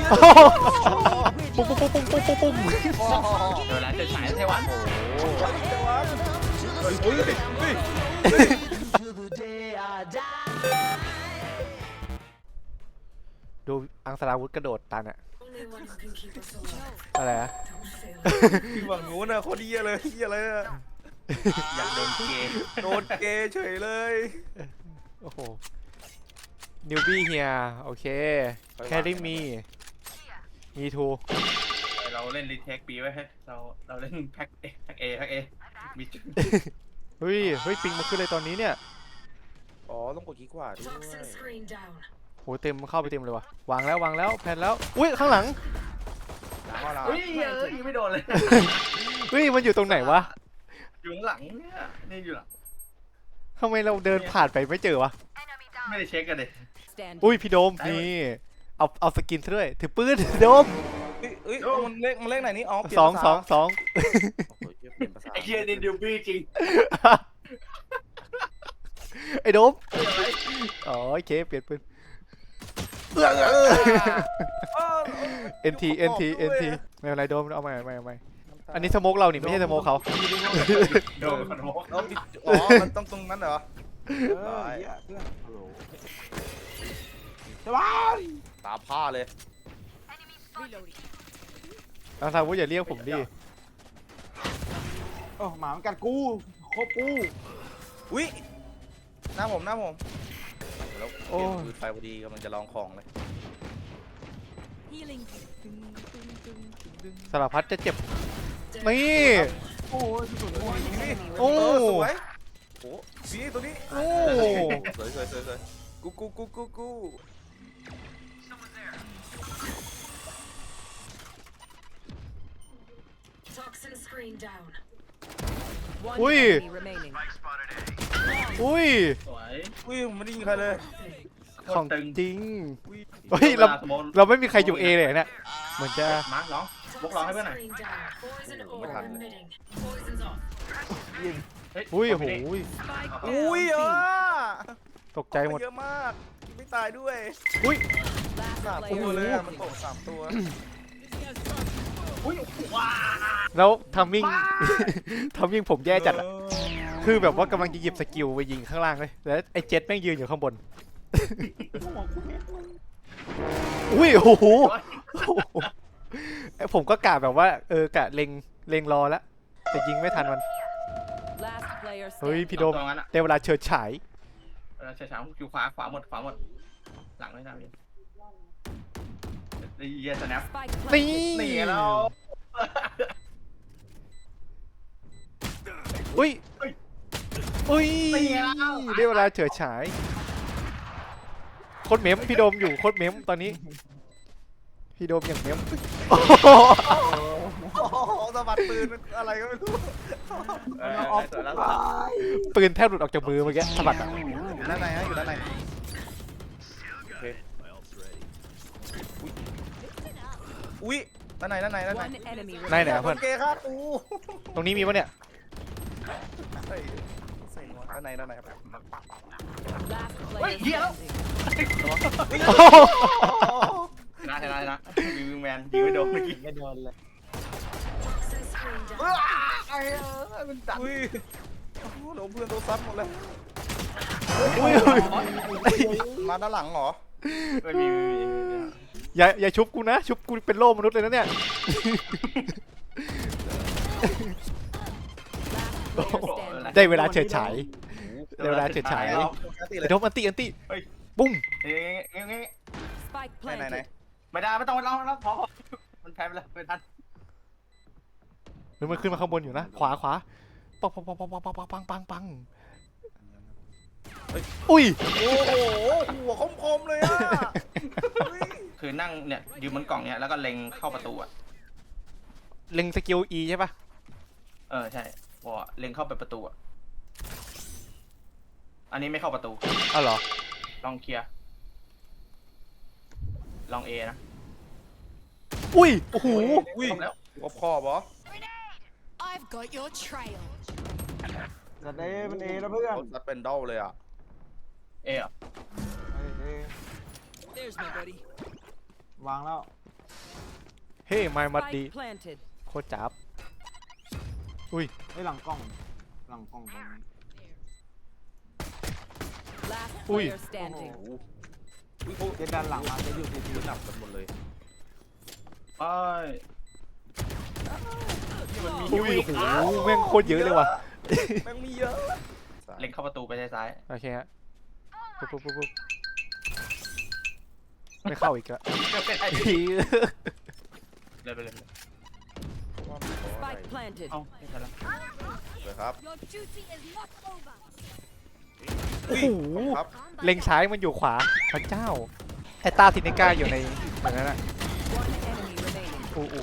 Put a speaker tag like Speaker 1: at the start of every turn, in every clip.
Speaker 1: ปุ้งปุ้งปุ้งปุ้งปุ้งปุ้ง
Speaker 2: เดี๋ยวแล้วจะฉายไต้หวัน
Speaker 3: โอ้ยเฮ้ยเฮ้ย
Speaker 1: ดูอังสราวุธกระโดดตันอะอะไรอะ
Speaker 3: ที่ฝั่งนู้นน่ะโคตรเหี้ยเลยเหี้ยอะไรอะ
Speaker 2: อยากโดนเกย์
Speaker 3: โดนเกย์เฉยเลย
Speaker 1: โอ้โหนิวบี้เฮียโอเคแครี่มีทู
Speaker 2: เราเล่นรีเทคปีไว้ให้เราเล่นแพ็คเอมีจุด
Speaker 1: เฮ้ยปิงมาขึ้นเลยตอนนี้เนี่ย
Speaker 3: อ๋อต้องกดขี้ขวาด้วย
Speaker 1: โหเต็มเข้าไปเต็มเลยวะวางแล้วแผ่นแล้วอุ้ยข้างหลัง
Speaker 3: ข้อเรา
Speaker 2: เฮ้ยยิงไม่โดนเลย
Speaker 1: เฮ้ยมันอยู่ตรงไหนวะ
Speaker 2: อยู่ข้างหลังเนี่ยนี่อยู่หลัง
Speaker 1: ทำไมเราเดินผ่านไปไม่เจอวะ
Speaker 2: ไม่ได้เช็คกันเลย
Speaker 1: อุ้ยพี่โดมนี่เอาสกินซะด้วยถือปืนโดม
Speaker 3: เอ้ยมันเลขไหนนี่อ๋อเปลี่ยน
Speaker 1: สอง
Speaker 3: ภาษา
Speaker 1: สอง
Speaker 3: โอ้โหเปลี่ยนภาษา
Speaker 2: ไอ้เฮียนี่ดิวบี้จริง
Speaker 1: ไอ้โดมอ๋อโอเคเปลี่ยนปืน NT ไม่เป็นไรโดมเอาใหม่อันนี้สโมกเรานี่ไม่ใช่สโมกเขา
Speaker 2: โดนขนม
Speaker 3: อ๋อมันต้องตรงนั้นเหรอตาผ้าเลย
Speaker 1: อังสราวุธอย่าเรียกผมดิ
Speaker 4: โอ้หมามันกัดกูโคกู
Speaker 3: อุ้ยหน้าผมแล้วเปลี่ยนปืนไฟพอดีกำลังจะลองของเลย
Speaker 1: สารพัดจะเจ็บนี่
Speaker 4: โอ้ยสุดเลย
Speaker 3: นี่
Speaker 1: โอ้
Speaker 3: สวยโอ้นี่ตัวนี้
Speaker 1: โอ้
Speaker 3: สวยกู
Speaker 1: อุ้ย
Speaker 2: สวย
Speaker 3: อุ้ยผมไม่ได้ยิงใครเลย
Speaker 1: ของ
Speaker 2: ตึง
Speaker 1: จริง
Speaker 3: อุ้ย
Speaker 1: เฮ้ยเราไม่มีใครอยู่เอเลยเนี่ยเหมือนจะ
Speaker 2: มาร์คน้องบกร้องให้เพื่อนหน่อย
Speaker 3: ไม่ทันเลย
Speaker 1: อุ้ยโห
Speaker 3: อุ้ย
Speaker 1: ตกใจหมด
Speaker 3: เยอะมากไม่ตายด้วย
Speaker 1: อุ้ย
Speaker 3: 3 ตัวเลยอะมันตก3 ตัว
Speaker 2: อุ้ยว้า
Speaker 1: แล้วทัมมิ่ง ทัมมิ่งผมแย่จัดอะคือแบบว่ากำลังจะหยิบสกิลไปยิงข้างล่างเลยแล้วไอ้เจ็ตแม่งยืนอยู่ข้างบนอุ้ยโอ้โหผมก็กะแบบว่ากะเล็งรอแล้วแต่ยิงไม่ทันมันเฮ้ยพี่โดม
Speaker 2: ตรงนั้นอะ
Speaker 1: ได้เวลาเฉิดฉาย
Speaker 2: เฉยๆอยู่ขวาหมดหลังไม่ทำเลยเยียสแนป
Speaker 1: นี่
Speaker 2: นี่เรา
Speaker 1: อุ้ยอุ้ย
Speaker 2: นี่เรา
Speaker 1: ได้เวลาเฉิดฉายโคตรเมมพี่โดมอยู่โคตรเมมตอนนี้พี่โดมอย่างเมม
Speaker 3: โอ้โหสะบัดปืนอะไรก็ไม่รู้
Speaker 2: ตัวละ
Speaker 1: ปืนแทบหลุดออกจากมือเมื่อกี้สะบัดอะ
Speaker 3: อยู่ด้านในฮะอยู่ด้านในโอเคอุ้ยด้านใน
Speaker 1: ไหนอะเพื่อน
Speaker 3: เกย์ฆ่าตู
Speaker 1: ตรงนี้มีปะเนี่ย
Speaker 3: เฮ้ยด้านในครับ
Speaker 2: เฮ้ยเฮียแล้ว
Speaker 1: โอ้โห
Speaker 2: ชนะวิวแมนยิงไม่โดนเมื่อกี้
Speaker 4: ไม่โดนเลย
Speaker 3: มันดันอุ้ยโดนเพื่อนโดนซัดหมดเลย
Speaker 1: อุ้ย
Speaker 3: มาด้านหลังเหรอ
Speaker 2: ไม่มี
Speaker 1: อย่าชุบกูนะชุบกูเป็นโล่มนุษย์เลยนะเนี่ยได้เวลาเฉิดฉายได้เวลาเฉิดฉายไอ้โดมอันติปุ้ม
Speaker 3: ไหน
Speaker 2: ไม่ได้ไม่ต้องเราพอมันแพ้ไปแล้วไม่ทัน
Speaker 1: หรือมันขึ้นมาข้างบนอยู่นะขวาปังอุ้ย
Speaker 3: โอ้โหหัวคมๆเลยอ่ะ
Speaker 2: คือนั่งเนี่ยยืนบนกล่องเนี่ยแล้วก็เล็งเข้าประตูอ่ะ
Speaker 1: เล็งสกิล E ใช่ปะ
Speaker 2: ใช่บอกเล็งเข้าไปประตูอ่ะอันนี้ไม่เข้าประตู
Speaker 1: อ้าวเหรอ
Speaker 2: ลองเคลียร์ลองเอนะ
Speaker 1: อุ้ยโอ้โห
Speaker 3: อุ้ย
Speaker 2: แล้ว
Speaker 3: ขอบเหรอ
Speaker 5: I've got your trail.
Speaker 4: จัดเอมันเอแล้วเพื่อน
Speaker 3: รถซัดเป็นดอลเลยอ่ะ
Speaker 2: เออ่ะ
Speaker 4: เอ
Speaker 5: There's my buddy.
Speaker 4: วางแล้ว
Speaker 1: เฮ้ยไม่มัดดี
Speaker 6: Spike planted.
Speaker 1: โคตรจับอุ้ย
Speaker 4: ไอ้หลังกล้องหลังกล้องตรงนี้
Speaker 6: Last
Speaker 1: Ui.
Speaker 6: player standing.
Speaker 4: เจ็ดด้านหลังมาจะอยู่ที่
Speaker 3: ยืนหนับกันหมดเลย
Speaker 2: ไป
Speaker 1: อุ้ยโอ้โหแม่งโคตรเยอะเลยว่ะ
Speaker 3: แม่งมีเยอะ
Speaker 2: เล็งเข้าประตูไปซ้าย
Speaker 1: โอเคฮะปุ๊บปุ๊บปุ๊บปุ๊บไม่เข้าอีกอะ
Speaker 2: เลยไปเลย
Speaker 6: Spike planted.
Speaker 2: เอ้าไม่ทันแล้ว
Speaker 3: เลยครับ
Speaker 5: Your duty is not over.
Speaker 1: โอ้โห
Speaker 3: ครับ
Speaker 1: เล็งซ้ายมันอยู่ขวาพระเจ้าไอ้ตาทินิก้าอยู่ในอย่างนั้นอะ
Speaker 6: One enemy remaining.
Speaker 1: อู้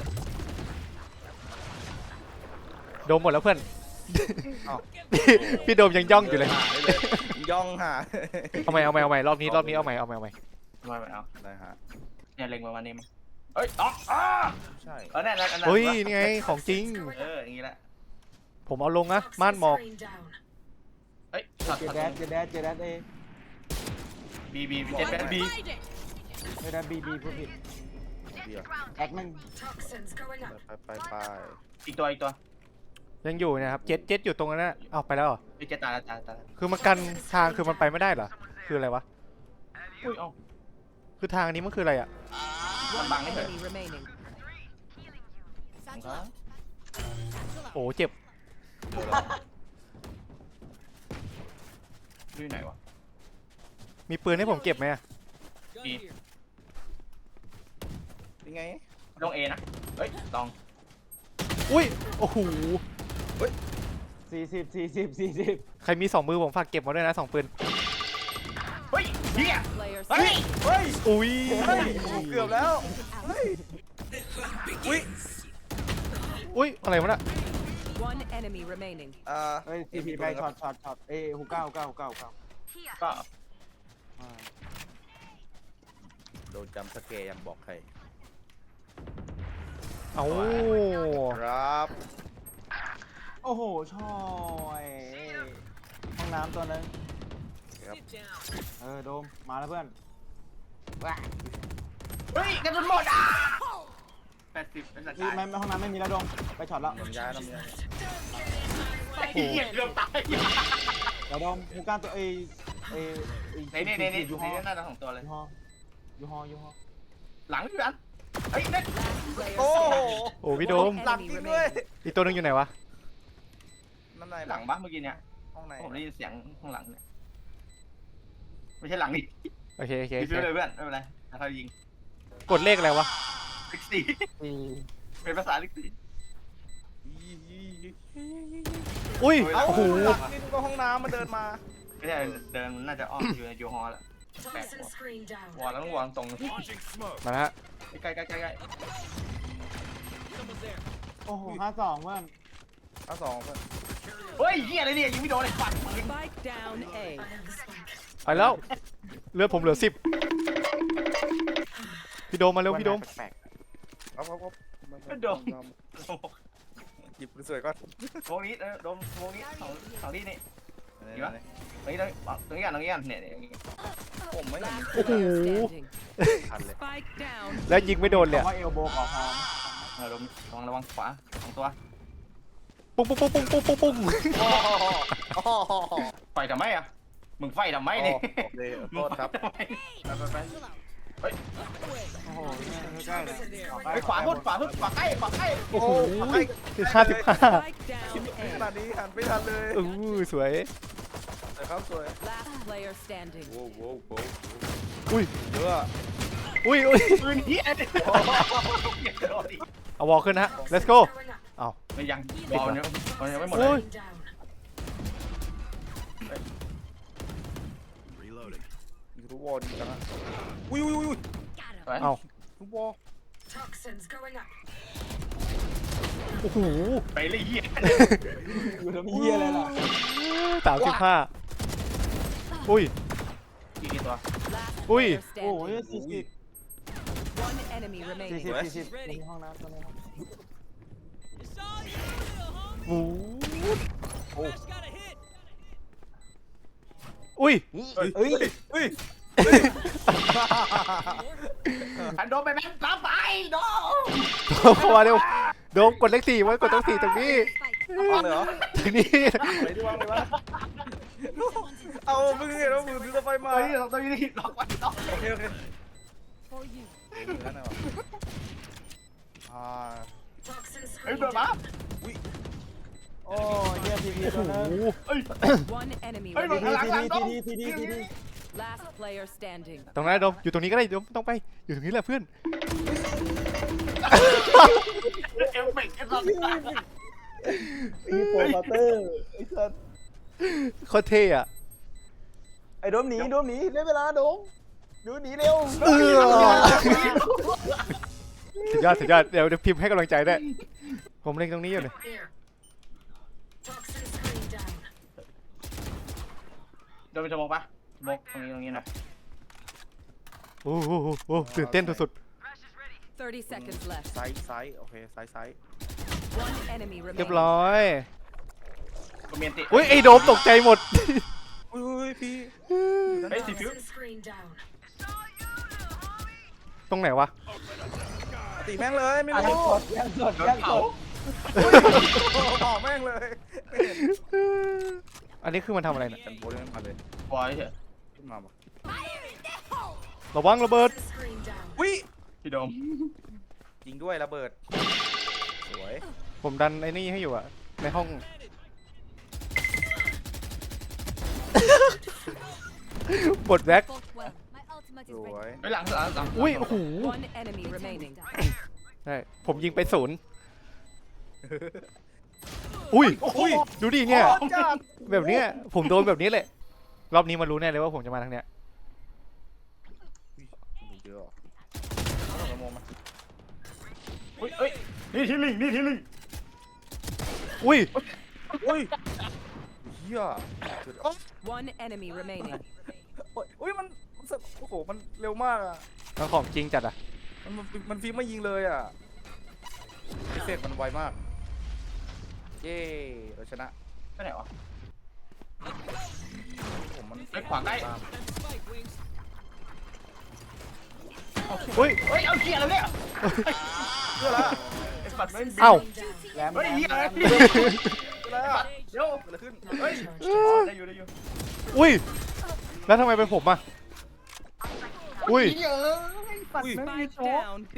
Speaker 1: โดมหมดแล้วเพื่อน
Speaker 3: เอ้า
Speaker 1: พี่โดมยังย่องอยู่เลย
Speaker 3: หาได้เลยย่องหา
Speaker 1: เอาใหม่รอบนี้เอาใหม่
Speaker 2: ไม่เอา
Speaker 3: ได้ฮะ
Speaker 2: เนี่ยเล็งประมาณนี้มั้งเอ้ยอ๋อ
Speaker 3: ใช่
Speaker 2: เออนั่น
Speaker 1: เฮ้ยนี่ไงของจริง
Speaker 2: อย่างงี้แหละ
Speaker 1: ผมเอาลงนะม่านหมอก
Speaker 2: เอ้ยช็อต
Speaker 4: เจแดดเจแดดเจแดดเอ
Speaker 2: บีเจ็ดแปดบี
Speaker 5: Hide it.
Speaker 4: ไม่ได้บีพูดผิด
Speaker 3: เดียว
Speaker 4: แอคมัน
Speaker 5: Toxins going up.
Speaker 3: ไป
Speaker 2: อีกตัว
Speaker 1: ยังอยู่นะครับเจ็ดอยู่ตรงนั้นนะเอาไปแล้วเหรอ
Speaker 2: พี่เจ็ดตายแล้ว
Speaker 1: คือมันกันทางคือมันไปไม่ได้เหรอคืออะไรวะ
Speaker 2: อุ้ยเอ้า
Speaker 1: คือทางนี้มันคืออะไรอะ
Speaker 2: มันบังไม่เถอะ
Speaker 6: Enemy remaining.
Speaker 5: Satchel out. Satchel out.
Speaker 1: โอ้เจ็บ
Speaker 2: อยู่ไหนวะ
Speaker 1: มีปืนให้ผมเก็บไหมอะ
Speaker 2: บี
Speaker 3: ยังไง
Speaker 2: ลงเอนะเฮ้ยลอง
Speaker 1: อุ้ยโอ้โห
Speaker 4: 40
Speaker 1: ใครมี2 มือผมฝากเก็บมาด้วยนะ2 ปืน
Speaker 2: เฮ้ยเฮีย
Speaker 6: Player
Speaker 2: เฮ้ย
Speaker 6: standing.
Speaker 3: เฮ้ย
Speaker 1: อุ้ย
Speaker 3: เฮ้ยโอ้เกือบแล้วเฮ้ยอุ้ย
Speaker 1: อุ้ยอะไรวะน่ะ
Speaker 6: One enemy remaining.
Speaker 4: เฮ้ยทีพีไปช็อตเอ้หูเก้า
Speaker 2: ก็
Speaker 3: โดนจำสเกย์ยังบอกใคร
Speaker 1: เอ้า
Speaker 3: ครับ
Speaker 4: โอ้โหชอยห้องน้ำตัวนึง
Speaker 3: ครับ
Speaker 4: โดมมาแล้วเพื่อน
Speaker 2: เฮ้ยกระสุนหมด80เป็นสัก
Speaker 4: นี่ไม่ห้องน้ำไม่มีแล้วโดมไปช็อตแล้ว
Speaker 3: น้ำยาน้ำยา
Speaker 2: เฮียเกือบตาย
Speaker 4: เดี๋ยวโดมหูเก้าตัวเอ
Speaker 2: ใน
Speaker 4: ยูฮอ
Speaker 2: หน้าทั้ง2ตัวเลย
Speaker 4: ยูฮอ
Speaker 2: หลังพี่อันเฮ้ยนั่น
Speaker 6: Last player
Speaker 3: โอ้
Speaker 6: standing.
Speaker 1: โอ้พี่โดม
Speaker 3: หลังจริงด้วย
Speaker 1: อีกตัวหนึงอยู่ไหนวะ
Speaker 3: นั่นไหน
Speaker 2: หลังบ้าเมื่อกี้เนี่ย
Speaker 3: ห้องไหน
Speaker 2: ผมได้ยินเสียงข้างหลังเนี่ยไม่ใช่หลังนี่
Speaker 1: โอเค
Speaker 2: ยิงเลยเพื่อนไม่เป็นไรเขายิง
Speaker 1: กดเลขอะไรวะ
Speaker 2: ลิกซี่ เป็นภาษาลิกซี่
Speaker 1: อุ้ย
Speaker 3: เอ้า
Speaker 1: โอ้โห
Speaker 3: หลังนี่ก็ห้องน้ำมาเดินมา
Speaker 2: ไม่ใช่เดินน่าจะอ้อมอยู่ในยูฮอลแล้วแปะ
Speaker 5: Toxin screen down.
Speaker 2: วอลแล้วต้องวางตรง
Speaker 1: มาแล้วฮะ
Speaker 2: ใกล้
Speaker 4: โอ้โห52เพื่อน
Speaker 3: เอาสองเพื่อน
Speaker 2: เฮ้ยเฮียอะไรเนี่ยยิงไม่โดนเลยฟัน
Speaker 6: Spike down A.
Speaker 5: I have the spike.
Speaker 1: ไปแล้วเลือดผมเหลือ10พี่โดมมาเร็วพี่โดม
Speaker 4: แปลก
Speaker 3: ครับ
Speaker 2: โดน
Speaker 3: หยิบปืนสวยก่อน
Speaker 2: วงนี้โดนวงนี้สองที่นี่ตรงนี้ตรงนี้เนี่ย
Speaker 3: ผมไม่เห็น
Speaker 6: Last
Speaker 1: โอ้โห
Speaker 6: player standing.
Speaker 3: ทันเลย
Speaker 6: Spike down.
Speaker 1: แล้วยิงไม่โดน
Speaker 4: ๆ
Speaker 1: เลย
Speaker 4: ว่าเอลโบขอพร้อม
Speaker 2: ระวังขวา2ตัว
Speaker 1: ปุ้งปุ้งปุ้งปุ้งปุ้งปุ้งปุ้ง
Speaker 2: ไฟทำไมอ่ะมึงไฟทำไมเนี่ย
Speaker 3: โอเคโทษครับ
Speaker 2: ไป
Speaker 4: โอ้โหใกล้ๆเลย
Speaker 2: ไปขวาพุดขวาใกล้
Speaker 1: โอ้โห
Speaker 3: ไป
Speaker 1: 55
Speaker 6: Spike down
Speaker 3: ข
Speaker 6: A.
Speaker 3: นาดนี้หันไม่ทันเลย
Speaker 1: สวย
Speaker 3: แต่ครับสวย
Speaker 6: Last player standing.
Speaker 3: โว้โว้โว้
Speaker 1: อุ้ย
Speaker 3: เยอะ
Speaker 1: อุ้ย
Speaker 2: ปืนเฮียเนี่ย
Speaker 1: เอาวอลขึ้นนะฮะ let's go
Speaker 5: Going up.
Speaker 2: ไม่ยังบอลเนี่ยมันยังไม่หมด
Speaker 1: โอ้
Speaker 2: เลย
Speaker 1: ย
Speaker 5: Screen down.
Speaker 3: อยู่ทุกวอลดีจังอะอุ้ย
Speaker 5: Got him.
Speaker 1: เอา
Speaker 3: ทุกวอล
Speaker 5: Toxins going up.
Speaker 1: โอ้โห
Speaker 2: ไปเลยเฮีย
Speaker 4: อยู่ทำเหี้ยอะไรล่ะ
Speaker 1: 35อุ้ย
Speaker 2: กี่ตัว
Speaker 6: Last
Speaker 1: Ui.
Speaker 6: player
Speaker 4: โอ้โห
Speaker 6: standing. One enemy remaining.
Speaker 4: 40ในห้องน้ำตัวนี้
Speaker 1: โอ้อุ้ย
Speaker 3: เฮ้ยเฮ้ย
Speaker 2: แผ่นโดนไปแม่งตามไปโดน
Speaker 1: โดมเข้ามาเร็วโดมกดเลข 4ไว้กดเลข 4ตรงนี้
Speaker 3: วางเลยเหรอ
Speaker 1: ตรงนี้
Speaker 3: ไหนที่วางเลยวะเอามึงเห็นว่ามือถือไฟมา
Speaker 2: เฮ้ยเราต้องยืนล็อกไว้ล็อก
Speaker 3: โอเคโอเค
Speaker 5: For you.
Speaker 3: นั่นน่ะวะ
Speaker 5: Toxin
Speaker 2: เฮ้ย
Speaker 5: screen
Speaker 2: โดนมา
Speaker 5: down.
Speaker 4: โอ้ยเฮียทีพีตัวนึง
Speaker 2: เฮ้ย
Speaker 6: One enemy
Speaker 2: เฮ้ยโดน
Speaker 6: remaining.
Speaker 2: หลังโดน
Speaker 4: ทีดี
Speaker 6: Last player standing.
Speaker 1: ตรงนั้นโดมอยู่ตรงนี้ก็ได้โดมต้องไปอยู่ตรงนี้แหละเพื่อน
Speaker 2: เอฟเฟกต์ไอ้สัส
Speaker 4: อีโปรมาเตอร์ไอ้สัส
Speaker 1: โคตรเท่อะ
Speaker 4: ไอ้โดมหนีได้เวลาโดมดูหนีเร็ว
Speaker 1: สุดยอดเดี๋ยวพิมพ์ให้กำลังใจได้วยผมเล็งตรงนี้อยู่เลย
Speaker 5: Here. Toxin screen down.
Speaker 2: โดนไปจะมองปะมองตรงนี้นะ
Speaker 1: โอ้โหตื่นเต้นสุด
Speaker 6: 30 seconds left.
Speaker 3: ไซส์โอเคไซส์
Speaker 6: One enemy
Speaker 1: ๆเรียบ
Speaker 6: remaining.
Speaker 1: ร้อย
Speaker 2: ก็เมียนติ
Speaker 1: อุ้ยไอ้โดมตกใจหมด
Speaker 3: อุ้ยพี่
Speaker 2: เฮ้ยสีฟิว
Speaker 5: Toxin screen down.
Speaker 1: ตรงไหนวะ
Speaker 3: ตีแม่งเลยไม่
Speaker 4: ยัง
Speaker 3: รู้
Speaker 4: สดยังสด
Speaker 2: โดน
Speaker 4: ยังส
Speaker 2: เผา
Speaker 4: ด
Speaker 3: บอกแม่งเลย
Speaker 1: อันนี้คือมันทำอะไรเนี่ย
Speaker 3: ฉันโบนมาเลย
Speaker 2: บอยเถอะ
Speaker 3: ขึ้นมาปะ
Speaker 1: ระวังระเบิด
Speaker 5: Toxin screen down.
Speaker 3: วิ
Speaker 2: พี่โดม
Speaker 3: ยิงด้วยระเบิดสวย
Speaker 1: ผมดันไอ้นี่ให้อยู่อะในห้อง บทแบ็ค
Speaker 5: Fought well. My ultimate
Speaker 3: สวย
Speaker 2: ไปหลัง
Speaker 1: อุ้ยโอ้โห
Speaker 6: One enemy remaining.
Speaker 1: ใช่ผมยิงไป0อุ้ย
Speaker 3: อุ้ย
Speaker 1: ดูดิเนี่ย
Speaker 3: จัด
Speaker 1: แบบเนี้ยผมโดนแบบนี้แหละรอบนี้มันรู้แน่เลยว่าผมจะมาทางเนี้ย
Speaker 3: ดูเยอะต้องกระโมงมา
Speaker 2: เฮ้ยนี่ทีลิง
Speaker 1: อุ้ย
Speaker 3: อุ้ยเฮีย
Speaker 6: One enemy remaining.
Speaker 3: อุ้ยมันโอ้โหมันเร็วมากอ่ะ
Speaker 1: มันของจริงจัดอะ
Speaker 3: มันฟิล์มไม่ยิงเลยอ่ะพิเศษมันไวมากเย้เราชนะ
Speaker 2: ไปไหนวะ
Speaker 3: ผมมัน
Speaker 2: ไปขวาใกล้
Speaker 1: อุ้ย
Speaker 2: เฮ้ยเอาเกียร์แล้วเนี่ย
Speaker 3: เพื่อละ
Speaker 2: ไอ้สัตว์ไม่บิน
Speaker 1: เอ้า
Speaker 4: แหลม
Speaker 2: เฮ้ยเฮียอะไร
Speaker 3: เพื่อละ
Speaker 2: เดี๋ยว
Speaker 3: เกิดอะไรขึ้น
Speaker 2: เฮ้ยได้อยู่
Speaker 1: อุ้ยแล้วทำไมเป็นผมอะอุ้ย
Speaker 6: Spike down B.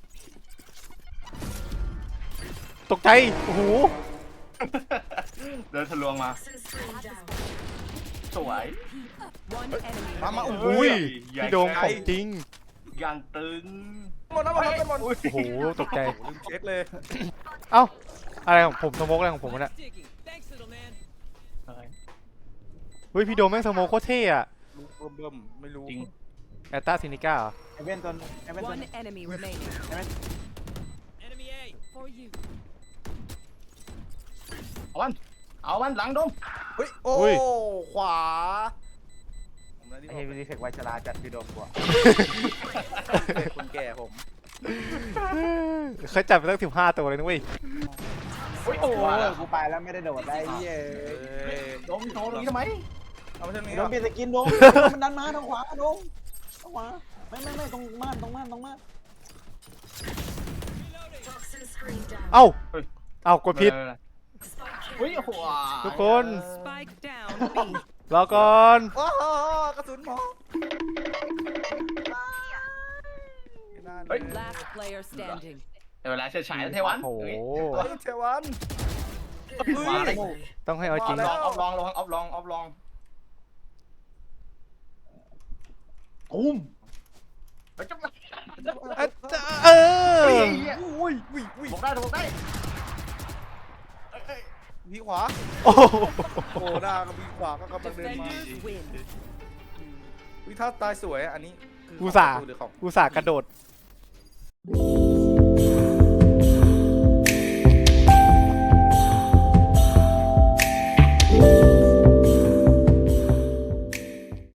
Speaker 1: ตกใจโอ้โห
Speaker 2: เดินทะลวงมา
Speaker 5: Toxin screen down.
Speaker 2: สวย
Speaker 6: One enemy
Speaker 3: มา
Speaker 6: remaining.
Speaker 1: อุ้ย
Speaker 2: ใหญ่
Speaker 1: พี่โดมของจริง
Speaker 2: อย่างตึง
Speaker 3: หมดแล้วหมดแล้วหมด
Speaker 1: โอ้โหตกใจ
Speaker 3: ลืมเช็คเลย
Speaker 1: เอ้าอะไรของผมสโมกอะไรของผมวะเนี่ย เฮ้ยพี่โดมแม่งสโมกโคตรเท่อะ
Speaker 3: รู้เบิ่มไม่รู้
Speaker 2: จริง
Speaker 1: แอตตาซินิก้าเหรอ
Speaker 4: ไอเวนตัวไอเวนตัว
Speaker 6: One enemy remaining.
Speaker 5: For you.
Speaker 2: เอามันหลังดม
Speaker 3: เฮ้ยโอ้ขวาผมได้ที่
Speaker 4: ไอ้รีเฟกไวชราจัดพี่โดมกว่า
Speaker 3: คนแก่ผม
Speaker 1: เขาจับไปตั้ง15 ตัวเลยนะเว้ย
Speaker 2: โอ้
Speaker 4: โอ้
Speaker 2: โห
Speaker 4: ยกูไปแล้วไม่ได้โดดได้เย้
Speaker 2: ดมโชว์ตรงนี้ทำไม
Speaker 3: เอาไปทางนี้
Speaker 4: โด
Speaker 3: เหร
Speaker 4: ม
Speaker 3: อ
Speaker 4: เปลี่ยนสกินโดมมันดันมาทางขวาโดมทางขวาไม่ตรงม่าน
Speaker 5: Toxin screen down.
Speaker 1: เอ้ากดผิด
Speaker 5: Spike
Speaker 2: เฮ้ย
Speaker 5: carrier.
Speaker 2: โอ้โห
Speaker 1: ทุกคน
Speaker 6: Spike down B.
Speaker 1: รอก่อน
Speaker 3: โอ้โหกระสุนหมอ
Speaker 6: Last player standing.
Speaker 2: เวลาเฉิดฉายเทวัน
Speaker 1: โอ้โห
Speaker 3: เทวัน
Speaker 5: Good.
Speaker 2: Wow.
Speaker 1: ต้องให้เอาจริง
Speaker 3: มาแล้ว
Speaker 2: ออฟลองออฟลอง
Speaker 4: ตุ้ม
Speaker 2: เฮ้ยจัง
Speaker 1: เออ
Speaker 3: อุ้ย
Speaker 2: บอกได้
Speaker 3: พี่ขวา
Speaker 1: โอ้โห
Speaker 3: โอ้หน้ากับพี่ขวาก็กำลังเดินมา
Speaker 6: Defenders win.
Speaker 3: วิถ้าตายสวยอันนี้คือ
Speaker 1: อุตส่าห์
Speaker 3: หรือของ
Speaker 1: อุตส่าห์กระโดด